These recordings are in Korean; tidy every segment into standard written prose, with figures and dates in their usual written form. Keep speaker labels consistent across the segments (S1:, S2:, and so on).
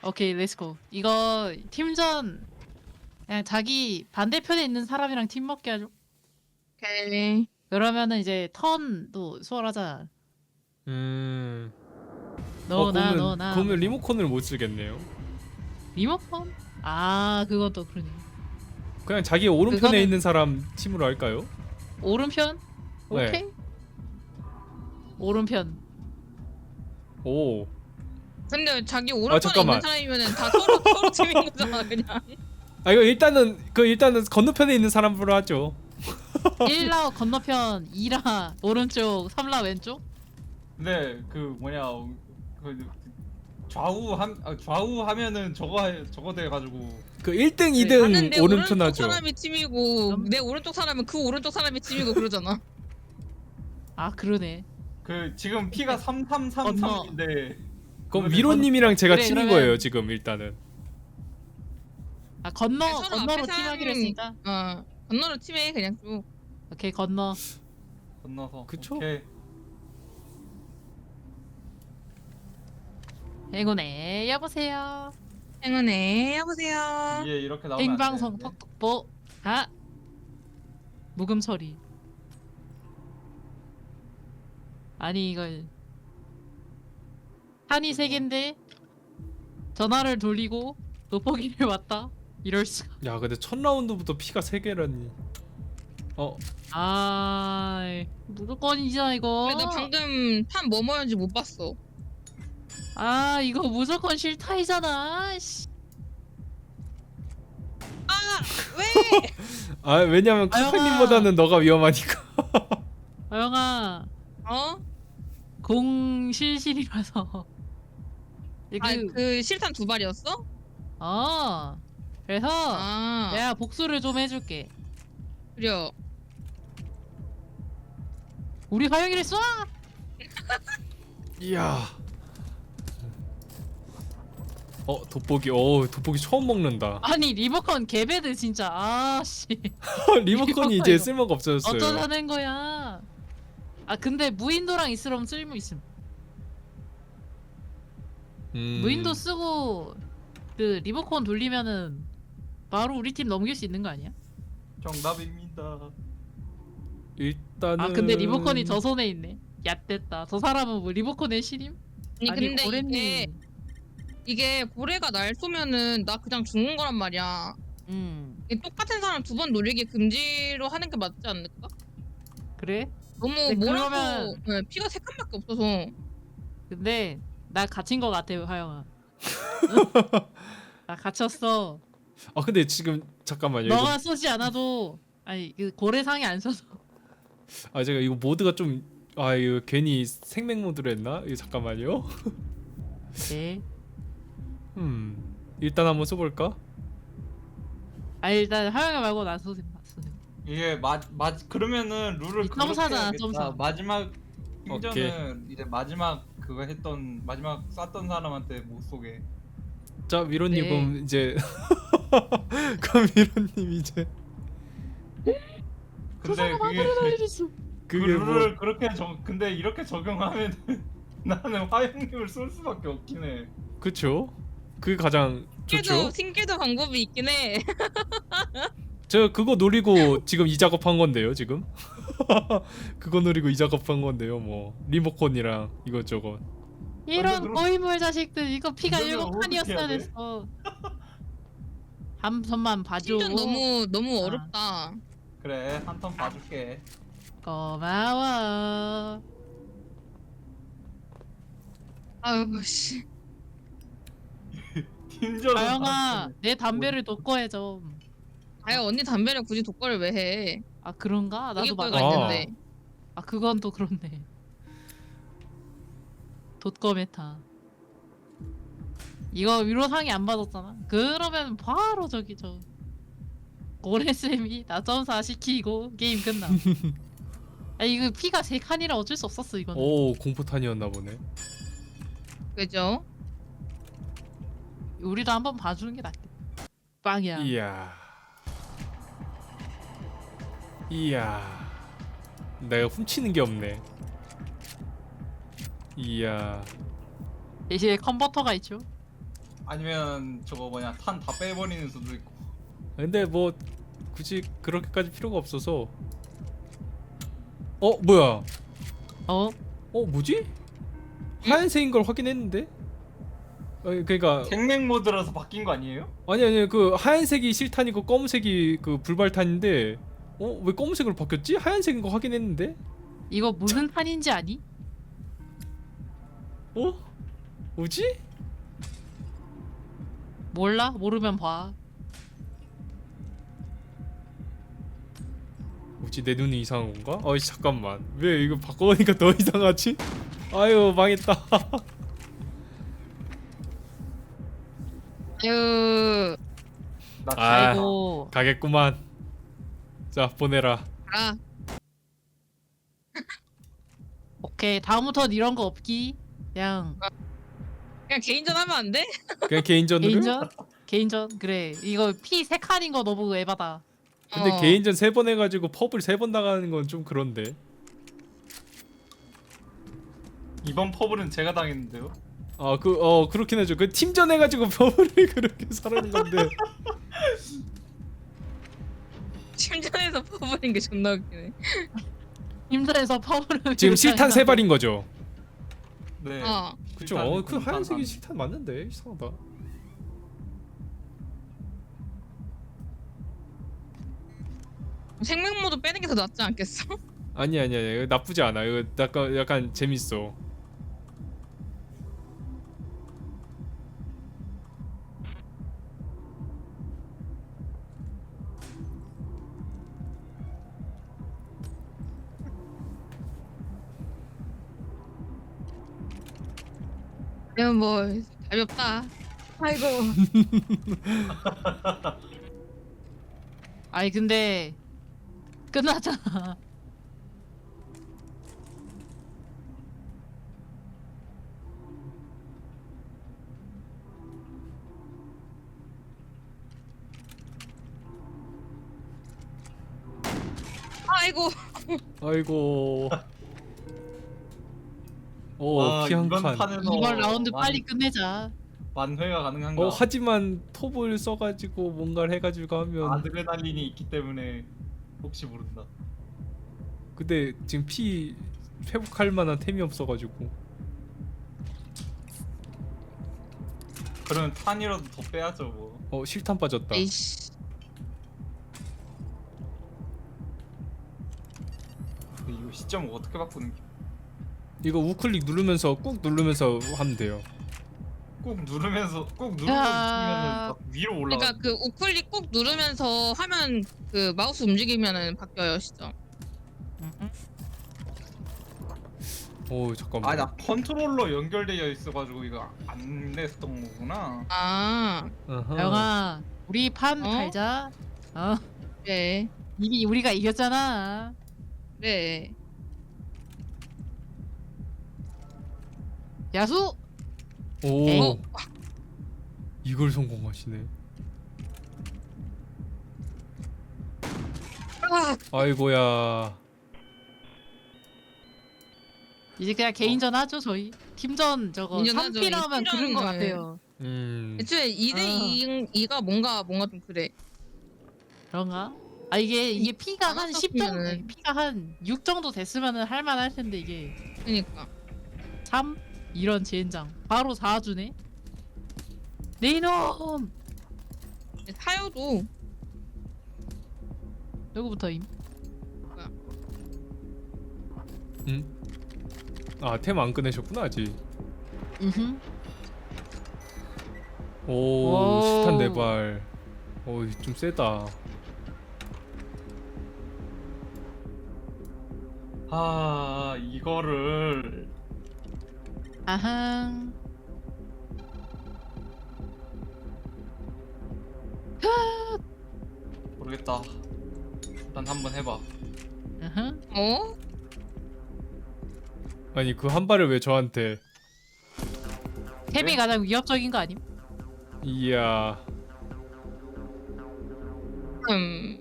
S1: 오케이, 렛츠고. 이거 팀전 그냥 자기 반대편에 있는 사람이랑 팀 먹게 하죠.
S2: 오케이.
S1: 그러면은 이제 턴도 수월하잖아. 너나 너나.
S3: 그러면 리모컨을 못 쓰겠네요.
S1: 리모컨? 아, 그것도 그러네.
S3: 그냥 자기 오른편에
S1: 그거는-
S3: 있는 사람 팀으로 할까요?
S1: 오른편?
S3: 네.
S1: 오케이. 오른편.
S3: 오.
S2: 근데 자기 오른편에
S3: 잠깐만.
S2: 있는 사람이면은 다 서로 팀인 거잖아 그냥.
S3: 아 이거 일단은 건너편에 있는 사람으로 하죠.
S1: 1라 건너편, 2라 오른쪽, 3라 왼쪽?
S4: 근데 그 뭐냐 그 좌우 하면은 저거 돼 가지고
S3: 그 1등,
S1: 네,
S3: 2등
S2: 나는 내
S3: 오른편
S2: 오른쪽
S3: 하죠.
S2: 사람이 팀이고 내 오른쪽 사람은 그 오른쪽 사람이 팀이고 그러잖아.
S1: 아, 그러네.
S4: 그 지금 피가 3333인데
S3: 그럼 미로님이랑 제가
S1: 그래,
S3: 팀인
S1: 그러면-
S3: 거예요 지금 일단은.
S1: 아,
S2: 서로
S1: 건너로
S2: 앞에
S1: 팀하기로
S2: 사람이-
S1: 했으니까.
S2: 건너로 팀해 그냥 쭉.
S1: 오케이, 건너.
S4: 건너서
S3: 그쵸?
S4: 오케이.
S1: 행운에 여보세요.
S2: 행운에 여보세요.
S4: 이게 이렇게 나오면 안
S1: 생방송
S4: 되는데.
S1: 톡톡보. 아, 묵음 처리. 아니 이걸 한이 세 개인데 전화를 돌리고 돋보기를 왔다. 이럴 수가.
S3: 야 근데 첫 라운드부터 피가 3개라니.
S1: 아, 무조건이잖아 이거.
S2: 근데 나 방금 판 뭐 뭐였는지 못 봤어.
S1: 아, 이거 무조건 실타이잖아. 씨.
S2: 왜?
S3: 아 왜냐면
S1: 아영아.
S3: 카카님보다는 너가 위험하니까.
S1: 아영아,
S2: 어?
S1: 공실실이라서.
S2: 그 실탄 두 발이었어?
S1: 그래서
S2: 아.
S1: 내가 복수를 좀 해줄게.
S2: 그래.
S1: 우리 화영이를 쏴!
S3: 이야. 돋보기. 돋보기 처음 먹는다.
S1: 아니 리모컨 개배드 진짜. 아씨.
S3: 리모컨이 이제 쓸모가 없어졌어요.
S1: 어쩌자는 거야. 아, 근데 무인도랑 있으면 쓸모 있음. 무인도 쓰고 그 리모컨 돌리면은 바로 우리 팀 넘길 수 있는 거 아니야?
S4: 정답입니다.
S3: 일단은.
S1: 아, 근데 리모컨이 저 손에 있네. 얕됐다. 저 사람은 뭐 리모컨의 신임?
S2: 아니 근데
S1: 고래님.
S2: 이게 고래가 날 쏘면은 나 그냥 죽는 거란 말이야. 이게 똑같은 사람 두 번 노리기 금지로 하는 게 맞지 않을까?
S1: 그래?
S2: 너무
S1: 근데
S2: 뭐라고
S1: 그러면-
S2: 네, 피가 세 칸밖에 없어서.
S1: 근데 나 갇힌 거 같아, 화영아. 나 갇혔어.
S3: 아 근데 지금 잠깐만요.
S1: 너가 쏘지 않아도, 아니 그 고래상이 안 쏘서.
S3: 제가 이거 모드가 좀 이거 괜히 생맥 모드로 했나? 이거 잠깐만요.
S1: 네.
S3: 일단 한번 써볼까?
S1: 아, 일단 화영이 말고 나 쏘세요.
S4: 이게 그러면은 룰을
S1: 이
S4: 그렇게
S1: 점사잖아,
S4: 해야겠다.
S1: 점사.
S4: 마지막 팀전은 이제 마지막 그거 했던 마지막 쐈던 사람한테 못 쏘게.
S3: 자 미로님
S1: 네.
S3: 그럼 이제 그럼 미로님 이제
S4: 근데
S1: 날리겠어.
S4: 그
S3: 그게 뭐
S4: 룰을 그렇게 근데 이렇게 적용하면 나는 화영님을 쏠 수밖에 없긴 해.
S3: 그쵸? 그게 가장 좋죠.
S2: 튕겨도 방법이 있긴 해.
S3: 제가 그거 노리고 지금 이 작업한 건데요 지금. 그거 노리고 이 작업한 건데요 뭐 리모컨이랑 이것저것.
S1: 이런
S4: 그럼-
S1: 고인물 자식들, 이거 피가
S4: 이거는
S1: 7칸이었어야
S4: 어떻게 해야 돼?
S1: 됐어. 한 선만 봐줘.
S2: 팀전 너무 어렵다.
S4: 그래 한 턴 봐줄게.
S1: 고마워.
S2: 아유 씨.
S4: 팀전은
S1: 아영아, 내 담배를 돋궈해 좀.
S2: 아유 언니 담배를 굳이 독거를 왜 해?
S1: 아, 그런가? 나도
S2: 이거가
S1: 막.
S2: 있는데.
S1: 아, 그건 또 그렇네. 돋거 메타. 이거 위로상이 안 받았잖아. 그러면 바로 저기 고래쌤이 나 점사 시키고 게임 끝나. 아, 이거 피가 3칸이라 어쩔 수 없었어 이거는.
S3: 오 공포탄이었나 보네.
S2: 그죠?
S1: 우리도 한번 봐주는 게 낫겠다. 빵이야.
S3: 이야. 내가 훔치는 게 없네. 이야.
S1: 대신에 컨버터가 있죠.
S4: 아니면 저거 뭐냐 탄 다 빼버리는 수도 있고.
S3: 근데 뭐 굳이 그렇게까지 필요가 없어서. 뭐야?
S1: 어?
S3: 뭐지? 하얀색인 걸 확인했는데? 그러니까
S4: 생맥 모드라서 바뀐 거 아니에요?
S3: 아니 그 하얀색이 실탄이고 검은색이 그 불발탄인데 왜 검은색으로 바뀌었지? 하얀색인 거 확인했는데?
S1: 이거 무슨 탄인지 아니?
S3: 뭐지?
S1: 몰라? 모르면 봐.
S3: 뭐지 내 눈이 이상한 건가? 잠깐만 왜 이거 바꿔보니까 더 이상하지? 아유 망했다.
S2: 아유,
S4: 나
S3: 아.
S1: 아이고.
S3: 가겠구만. 자 보내라.
S2: 아,
S1: 오케이. 다음부턴 이런 거 없기. 그냥
S2: 그냥 개인전 하면 안 돼?
S3: 그냥 개인전으로?
S1: 개인전? 개인전? 그래. 이거 피 3칸인 거 너무 에바다.
S3: 근데
S2: 어.
S3: 개인전 3번 해가지고 펍을 3번 나가는 건 좀 그런데.
S4: 이번 퍼블은 제가 당했는데요.
S3: 그렇긴 하죠. 그 팀전 해가지고 펍을 그렇게 사는 건데.
S2: 심전에서 퍼버린 게 존나 웃기네.
S1: 힘들어서 파워를
S3: 지금 실탄 3발인 거죠?
S4: 네.
S3: 그쵸.
S4: 실탄
S3: 그 하얀색이
S4: 반.
S3: 실탄 맞는데 이상하다.
S2: 생맥 모드 빼는 게 더 낫지 않겠어?
S3: 아니야 이거 나쁘지 않아. 이거 약간 재밌어.
S2: 이건 뭐 답이 없다. 아이고.
S1: 아니 근데 끝났잖아.
S2: 아이고.
S3: 아이고.
S4: 와,
S3: 피 한
S4: 이번
S3: 칸.
S4: 판에서
S1: 이번 라운드
S4: 만-
S1: 빨리 끝내자.
S4: 만회가 가능한가?
S3: 하지만 톱을 써가지고 뭔가를 해가지고 하면.
S4: 아드레날린이 있기 때문에 혹시 모른다.
S3: 근데 지금 피 회복할 만한 템이 없어가지고.
S4: 그러면 탄이라도 더 빼야죠 뭐.
S3: 실탄 빠졌다.
S2: 에이씨.
S4: 근데 이거 시점을 어떻게 바꾸는 게?
S3: 이거 우클릭 누르면서 꾹 누르면서 하면 돼요.
S4: 꾹 누르면서
S1: 야.
S4: 치면은 막 위로 올라가.
S2: 그러니까 그 우클릭 꾹 누르면서 화면 그 마우스 움직이면은 바뀌어요 시점.
S3: 잠깐만.
S4: 아나 컨트롤러 연결되어 있어가지고 이거 안 냈던 거구나.
S2: 아,
S3: 아하.
S1: 영아, 우리 판
S2: 어?
S1: 갈자.
S2: 그래,
S1: 이미 우리가 이겼잖아.
S2: 그래.
S1: 야수.
S3: 오. 이걸 성공하시네.
S2: 아,
S3: 아이고야.
S1: 이제 그냥 개인전 하죠 저희. 팀전 저거
S2: 개인전 하죠.
S1: 3피라면
S2: 팀전,
S1: 그런 거
S2: 네.
S1: 같아요.
S2: 애초에 2대 2가 뭔가 좀 그래.
S1: 그런가? 이게 피가 한 10 정도,
S2: 많았었으면은.
S1: 피가 한 6 정도 됐으면은 할만할 텐데 이게
S2: 그러니까.
S1: 3 이런 젠장 바로 4주네. 네 이놈.
S2: 사요도
S1: 누구부터임?
S3: 템 안 꺼내셨구나 아직.
S1: 음.
S3: 오,
S1: 오.
S3: 실탄 4발. 좀 세다.
S4: 이거를
S1: 아항.
S4: 모르겠다. 일단 한번 해봐.
S1: 아항.
S2: 어?
S3: 아니 그 한 발을 왜 저한테?
S1: 템이
S4: 네?
S1: 가장 위협적인 거 아님?
S3: 이야.
S2: 음.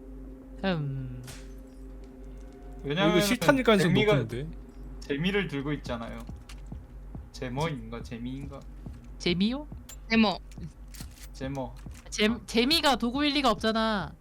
S4: 왜냐면
S3: 이거 실탄일 가능성
S4: 재미가
S3: 높은데.
S4: 재미를 들고 있잖아요. 제머인가 재미인가?
S1: 재미요?
S2: 데모.
S4: 제모.
S1: 재미가 도구일 리가 없잖아.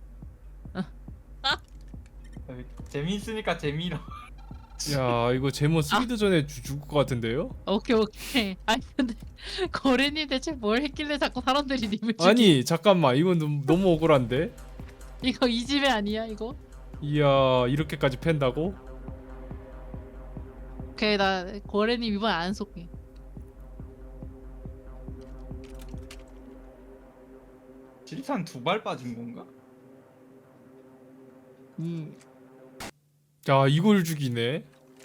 S4: 재미있으니까 재미로.
S3: 야 이거 제모 쓰기도 전에 죽을 것 같은데요?
S1: 오케이. 아니 근데 거래님 대체 뭘 했길래 자꾸 사람들이 님을 죽이?
S3: 아니 잠깐만 이건 너무 억울한데?
S1: 이거 이 집에 아니야 이거?
S3: 이야 이렇게까지 팬다고?
S1: 오케이 나 거래님 이번에 안 쏠게.
S4: 실탄 2발 빠진 건가?
S3: 야 이걸 죽이네.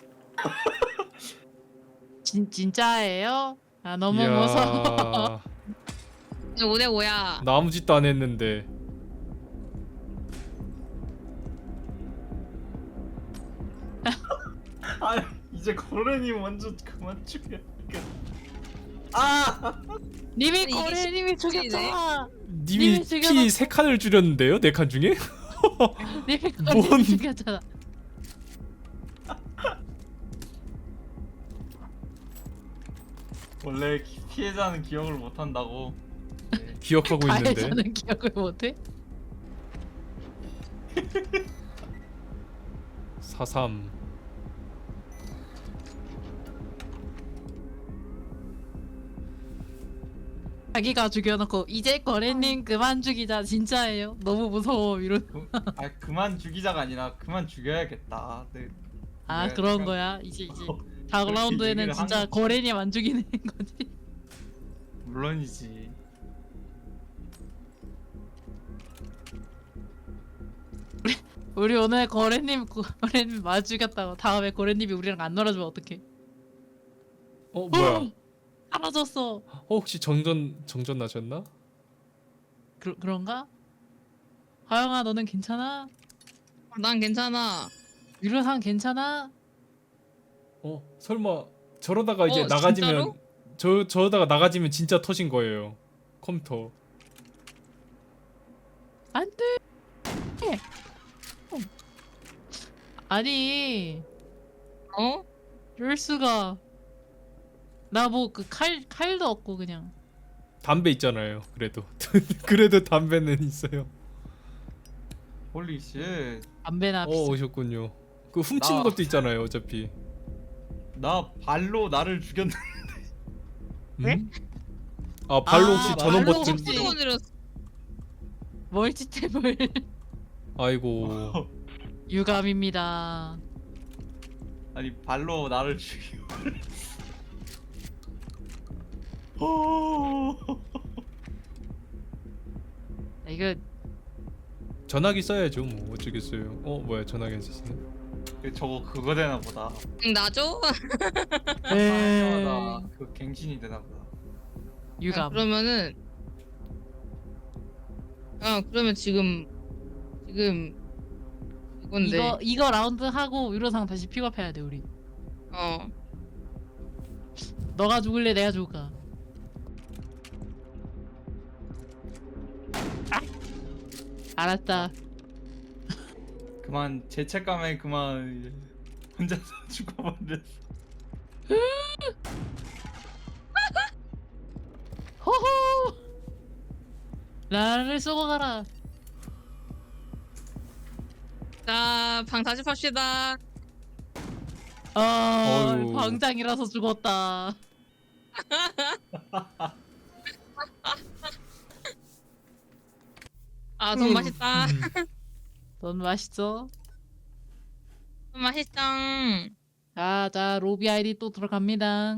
S1: 진짜예요? 아 너무
S3: 이야,
S1: 무서워.
S2: 5대 5야.
S3: 나 아무 짓도 안 했는데.
S4: 아 이제 고래님 먼저 그만 죽여. 아!
S1: 님이
S2: 이게
S1: 거래님이 죽였잖아.
S3: 님이
S1: 님이 죽여놓고-
S3: 피 3칸을 줄였는데요? 4칸 중에?
S1: 님이
S3: 뭔-
S1: 거래님 죽였잖아.
S4: 원래 피해자는 기억을 못 한다고. 네.
S3: 기억하고 있는데.
S1: 가해자는 기억을 못해?
S3: 43.
S1: 자기가 죽여놓고 이제 거래님 그만 죽이자 진짜예요? 너무 무서워 이런.
S4: 그만 죽이자가 아니라 그만 죽여야겠다. 네.
S1: 아
S4: 네,
S1: 그런
S4: 내가-
S1: 거야 이제
S4: 어,
S1: 다음 라운드에는
S4: 얘기를
S1: 진짜
S4: 한 거지.
S1: 거래님 안 죽이는 거지.
S4: 물론이지.
S1: 우리 오늘 거래님 마주 죽였다고 다음에 거래님이 우리랑 안 놀아주면 어떡해?
S3: 뭐야?
S1: 사라졌어.
S3: 혹시 정전 나셨나?
S1: 그런가? 하영아 너는 괜찮아?
S2: 난 괜찮아.
S1: 유료상 괜찮아?
S3: 설마 저러다가 이제
S2: 진짜로?
S3: 나가지면 저러다가 나가지면 진짜 터진 거예요. 컴퓨터.
S1: 안돼. 아니
S2: 어?
S1: 이럴 수가. 나 뭐 그 칼도 없고 그냥.
S3: 담배 있잖아요. 그래도 그래도 담배는 있어요.
S4: 홀리 쉣.
S1: 담배나 피자.
S3: 오셨군요. 그 훔치는
S4: 나-
S3: 것도 있잖아요. 어차피.
S4: 나 발로 나를 죽였는데.
S3: 음? 아 발로 혹시
S1: 아,
S3: 전원
S1: 발로
S3: 버튼?
S1: 혹시-
S2: 뜯어내렸어.
S1: 멀티탭을
S3: 아이고.
S1: 유감입니다.
S4: 아니 발로 나를 죽이고. 오.
S1: 이거
S3: 전화기 써야죠. 뭐 어쩌겠어요. 뭐야 전화기 안 썼네.
S4: 저거 그거 되나 보다.
S2: 나죠?
S4: 사람마다 그 갱신이 되나 보다.
S1: 유감.
S2: 그러면은 그러면 지금 이건데.
S1: 이거 라운드 하고 유로상 다시 픽업해야 돼 우리. 너가 죽을래 내가 죽을까? 아! 알았다.
S4: 그만 죄책감에 그만 혼자서 죽어버렸어.
S1: 호호. 나를 쏘고 가라.
S2: 자, 방 다시 팝시다.
S3: 어휴.
S1: 광장이라서 죽었다.
S2: 아, 돈 맛있다.
S1: 넌 맛있어?
S2: 돈 맛있어.
S1: 자 로비 아이디 또 들어갑니다.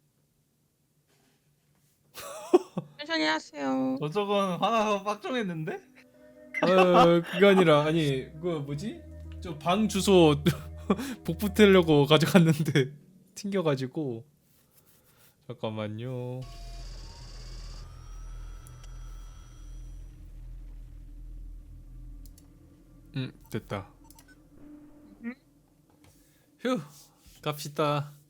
S2: 천천히 하세요.
S4: 저건 화나서 빡종했는데?
S3: 그게 아니라 아니 그 뭐지? 저 방 주소 복붙하려고 가져갔는데 튕겨가지고 잠깐만요. 됐다. 휴 갑시다.